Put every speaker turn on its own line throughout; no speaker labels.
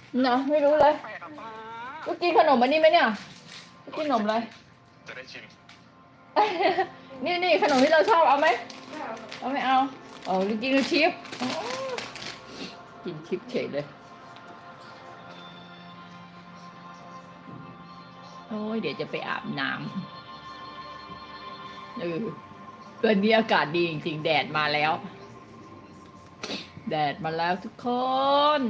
เนาะไม่รู้เลยลูกกินขนมอันนี้ไหมเนี่ยลูกกินขนมอะไร
จะได้ชิม
นี่ขนมที่เราชอบเอาไหมเอาไม่เอาลูกกินชิปอ๋อกินชิปเฉยเลยโอ้ยเดี๋ยวจะไปอาบน้ำวันนี้อากาศดีจริงๆแดดมาแล้วทุกคน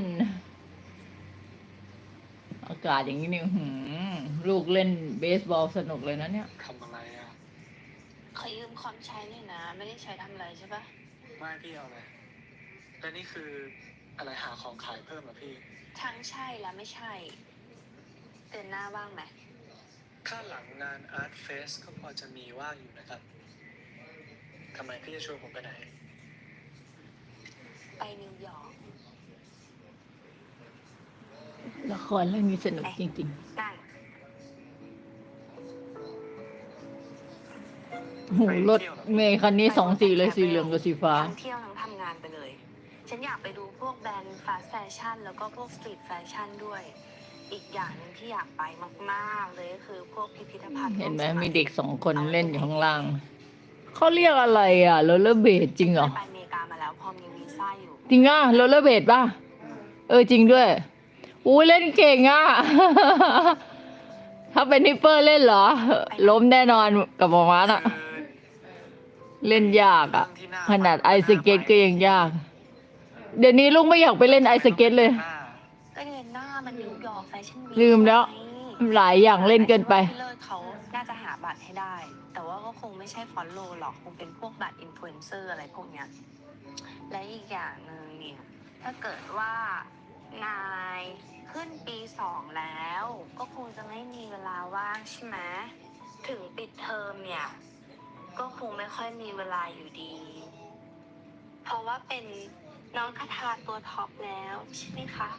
อากาศอย่างนี้นี่ลูกเล่นเบสบอลสนุกเลยนะเนี่ย
ทำอะไรอ่ะ
ขอยืมคอมใช้หน่อยนะไม่ได้ใช้ทำอะไรใช่ปะ
ไม่พี่เอาเลยแล้วนี่คืออะไรหาของขายเพิ่มเหรอพี่
ทั้งใช่และไม่ใช่เดือนหน้าว่างไหม
ถ้าหลังงานอาร์ตเฟสก็พอจะมีว่างอยู่นะครับทำไมพี่จะชวนผมไปไหน
ไปนิวยอร์ก
ละครเรื่องนี้สนุกจริงๆ
ได้
โหรถเมย์คันนี้2 สีเลยสีเหลืองกับสีฟ้า
ทั้งเที่ยวทั้งทำงานไปเลยฉันอยากไปดูพวกแบรนด์ฟาสต์แฟชั่นแล้วก็พวกสตรีทแฟชั่นด้วยอีกอย่างนึงที่อยากไปมากๆเลยก็คือพวกพิพิธภัณฑ์
เห็นไหมมีเด็ก2 คนเล่นอยู่ข้างล่างเขาเรียกอะไรอ่ะโรลเลอร์เบดจริงเหรอ
ไปอเมริกามาแล้วพอมีวีซ่าอยู่
จริงอ่ะโรลเลอร์เบดป่ะจริงด้วยอู้เล่นเก่งอ่ะ ถ้าเป็นฮิปเปอร์เล่นเหรอล้มแน่นอนกับหมอมาร์อ่ะเล่นยากอ่ะขนาดไอสเก็ตก็ยังยากเดี๋ยวนี้ลูกไม่อยากไปเล่นไอสเก็ตเลย
ก็เดือนหน้ามันนิวยอร์กแฟชั่นวีค
ลืมแล้วหลายอย่างเล่นเกินไป
เลิศเขาน่าจะหาบัตรให้ได้แต่ว่าก็คงไม่ใช่ฟอลโล่หรอกคงเป็นพวกบัตรอินฟลูเอนเซอร์อะไรพวกเนี้ยและอีกอย่างหนึ่งเนี่ยถ้าเกิดว่านายขึ้นปี 2แล้วก็คงจะไม่มีเวลาว่างใช่ไหมถึงปิดเทอมเนี่ยก็คงไม่ค่อยมีเวลาอยู่ดีเพราะว่าเป็นน้องคาทาตัวท็อปแล้วใช่ไหมคะ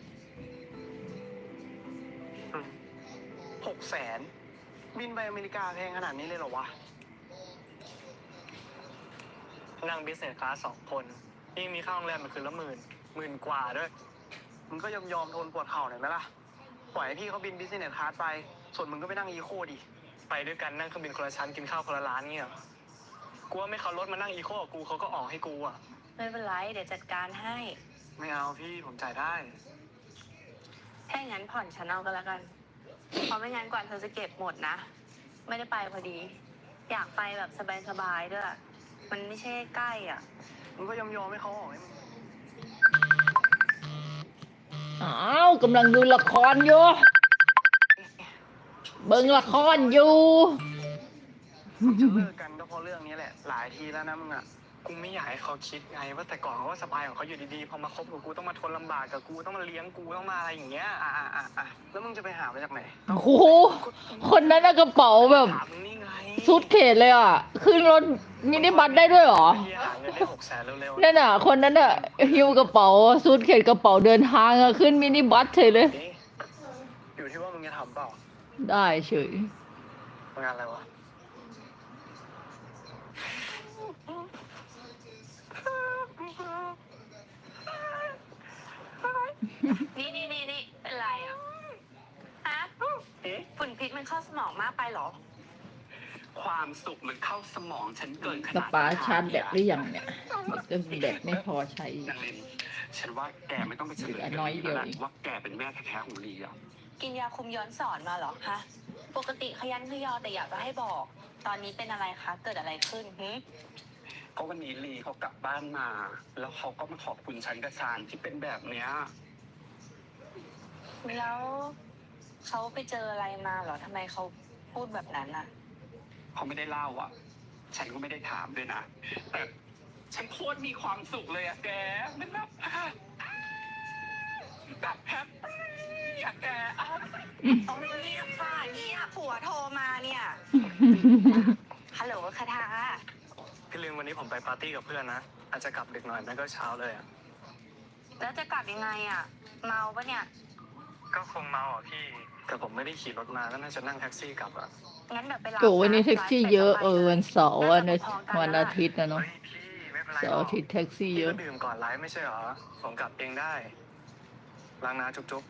600,000บินไปอเมริกาแพงขนาดนี้เลยเหรอวะนั่งบิสเนสคลาส2 คนยิ่งมีค่าโรงแรมมันคืนละหมื่นกว่าด้วยมึงก็ยอมทนปวดเข่าหน่อยไหมล่ะปล่อยให้พี่เขาบินบิสเนสคลาสไปส่วนมึงก็ไปนั่งอีโคดิไปด้วยกันนั่งเครื่องบินคนละชั้นกินข้าวคนละร้านเงี้ยกูว่าไม่เขารถมานั่งอีโคกับกูเขาก็ออกให้กูอ่ะ
ไม่เป็นไรเดี๋ยวจัดการให้
ไม่เอาพี่ผมจ่ายได้
ถ้าอย่างนั้นผ่อนฉันเอาก็แล้วกันเพราะไม่งั้นกว่าเธอจะเก็บหมดนะไม่ได้ไปพอดีอยากไปแบบสบายๆด้วยมันไม่ใช่ใกล้อ่ะ
มึงก็ยอมให้เขาออกให้มึง
กำลังดูละครอยู่เบิ่งละครอยู่
จะเลิกกันก็เพราะเรื่องนี้แหละหลายทีแล้วนะมึงอ่ะกูไม่อยากให้เขาคิดไงว่าแต่ก่อนเขาก็สบายของเขาอยู่ดีๆพอมาคบกับกูต้องมาทนลำบากกับกูต้องมาเลี้ยงกูต้องมาอะไรอย่างเงี้ยแล้วมึงจะไปหามาจากไหน
โอ้โหคนนั้นกระเป๋าแบบซูทเคสเลยอ่ะขึ้นรถมินิบัสได้ด้วยเหรอ
หาเงินได้600,000เร็ว
ๆนั่นอ่ะคนนั้นอ่ะหิ้วกระเป๋าซูทเคสกระเป๋าเดินทางอ่ะขึ้นมินิบัสเฉยเลย
อยู่ที่ว่ามึงจะทำเปล่า
ได้เฉย
งานอะไรวะ
นี่เป็นไรอ่ะฮะฝุ่นพิษมันเข้าสมองมากไปหรอ
ความสุขมันเข้าสมองฉันเกินขนาด
ป้าชาร์จแบตหรือยังเนี่ยแบตไม่พอใช้
ฉันว่าแกไม่ต้องไปเฉลย
น้อยเดียว
ว่าแกเป็นแม่แท้ๆของลีอ่ะ
กินยาคุมย้อนสอนมาหรอฮะปกติขยันขยอแต่อยากจะให้บอกตอนนี้เป็นอะไรคะเกิดอะไรขึ้น
ก็วันนี้ลีเขากลับบ้านมาแล้วเขาก็มาขอบคุณฉันกับชาญที่เป็นแบบเนี้ย
แล้วเขาไปเจออะไรมาเหรอทำไมเขาพูดแบบนั้นน่ะ
เขาไม่ได้เล่าอ่ะฉันก็ไม่ได้ถามด้วยนะแต่ฉันโคตรมีความสุขเลยอะแกมันแบบแฮปปี้อะแก
ต้องเรียกค่ะเนี่ยผัวโทรมาเนี่ยฮัลโหลคาทา
พี่ลืมวันนี้ผมไปปาร์ตี้กับเพื่อนนะอาจจะกลับดึกหน่อยไม่ก็เช้าเลยอะ
แล้วจะกลับยังไงอะเมาปะเนี่ย
ก็คงเมาอ่ะพี่แต่ผมไม่ได้ขี่รถมาก็น่าจะนั่งแท็กซี่กลับอ่ะ
งั้นเดี๋ยวไปรับ
วันนี้แท็กซี่เยอะวันเสาร์วันอาทิตย์นะเนาะเสาร์อาทิตย์แท็กซี่เยอะ
ดื่มก่อนไลฟ์ไม่ใช่เหรอผมกลับเองได้ล้างน้ำจุ๊บ